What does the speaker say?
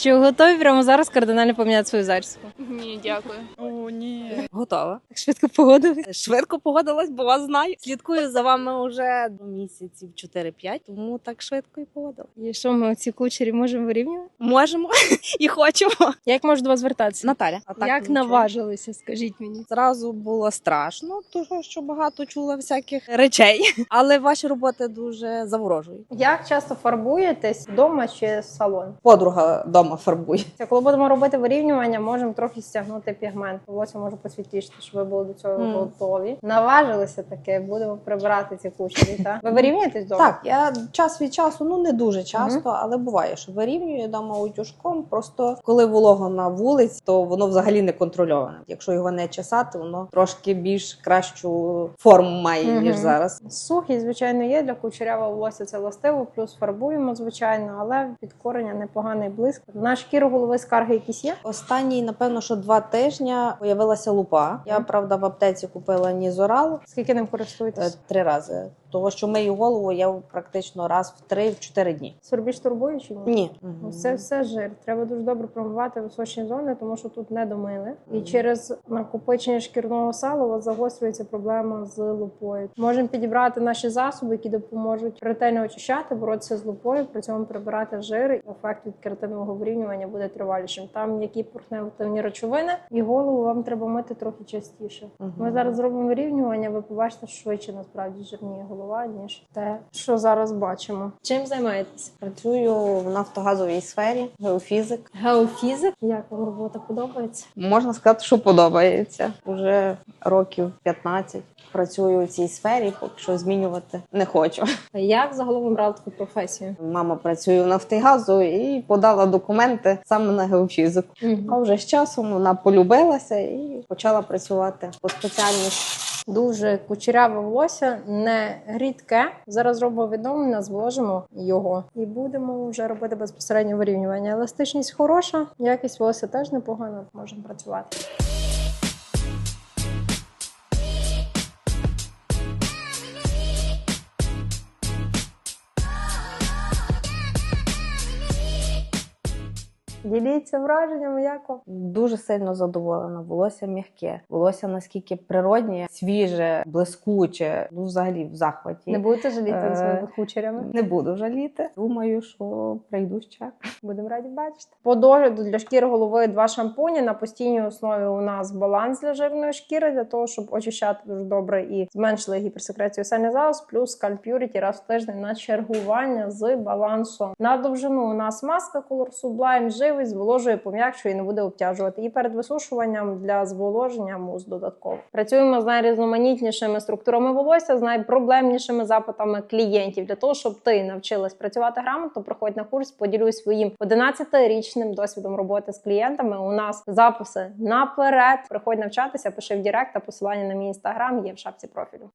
Чи готові прямо зараз кардинально поміняти свою зачіску? Ні, дякую. О, ні. Готова. Так швидко погодились. Швидко погодилась, бо вас знаю. Слідкую за вами вже місяців 4-5, тому так швидко і погодила. І що ми оці кучері можемо вирівнювати? Можемо і хочемо. Як можу до вас звертатися? Наталя. А так Як нічого. наважилися, скажіть мені? Зразу було страшно, тому що багато чула всяких речей. Але ваші роботи дуже заворожують. Як часто фарбуєтесь вдома чи салон? Подруга вдома фарбує. Коли будемо робити вирівнювання, можемо трохи стягнути пігмент. Волосся може посвітлішити, щоб ви були до цього готові. Наважилися таке, будемо прибирати ці кучері. Так? Ви вирівнюєтесь вдома? Так, я час від часу, не дуже часто, але буває, що вирівнюю дома утюжком. Просто коли волого на вулиці, то воно взагалі не контрольоване. Якщо його не чесати, воно трошки більш кращу форму має, ніж зараз. Сухість, звичайно, є. Для кучерявого волосся це властиво, плюс фарбуємо, звичайно, але від кореня непоганий блиск. На шкіру голови скарги якісь є? Останні, напевно, що 2 тижні появилася лупа. Я, правда, в аптеці купила Нізорал Скільки ним користуєтесь? 3 рази. Того, що мию голову я практично раз в 3-4 дні. Сорбіж турбує чи ні? Ні. Це все жир. Треба дуже добре промивати височні зони, тому що тут не домили. І через накопичення шкірного сала у вас загострюється проблема з лупою. Можемо підібрати наші засоби, які допоможуть ретельно очищати, боротися з лупою, при цьому прибирати жир. І ефект від кератинового вирівнювання буде тривалішим. Там м'які пурхневі речовини, і голову вам треба мити трохи частіше. Ми зараз зробимо вирівнювання, ви побачите, що швидше насправді жирніє голова, ніж те, що зараз бачимо. Чим займаєтесь? Працюю в нафтогазовій сфері, геофізик. Геофізик? Як вам робота подобається? Можна сказати, що подобається. Уже років 15 працюю у цій сфері, поки що змінювати не хочу. Як загалом обрали таку професію? Мама працює в Нафтогазу і подала документи саме на геофізику. А вже з часом вона полюбилася і почала працювати по спеціальності. Дуже кучеряве волосся, не рідке. Зараз зробимо відновлення, зволожимо його і будемо вже робити безпосередньо вирівнювання. Еластичність хороша, якість волосся теж непогана, можемо працювати. Діліться враженнями, як вам? Дуже сильно задоволена. Волосся м'яке. Волосся наскільки природнє, свіже, блискуче. Взагалі в захваті. Не будете жаліти за своїми кучерями? Не буду жаліти. Думаю, що прийду ще. Будемо раді бачити. По догляду для шкіри голови 2 шампуні. На постійній основі у нас баланс для жирної шкіри, для того, щоб очищати дуже добре і зменшили гіперсекрецію сальних залоз, плюс Scalp Purity раз в тиждень на чергування з балансом. На довжину у нас маска Color Sublime, живий, зволожує, пом'якшує і не буде обтяжувати. І перед висушуванням для зволоження мус додатково. Працюємо з найрізноманітнішими структурами волосся, з найпроблемнішими запитами клієнтів. Для того, щоб ти навчилась працювати грамотно, приходь на курс, поділюсь своїм 11-річним досвідом роботи з клієнтами. У нас записи наперед. Приходь навчатися, пиши в Директ, а посилання на мій інстаграм є в шапці профілю.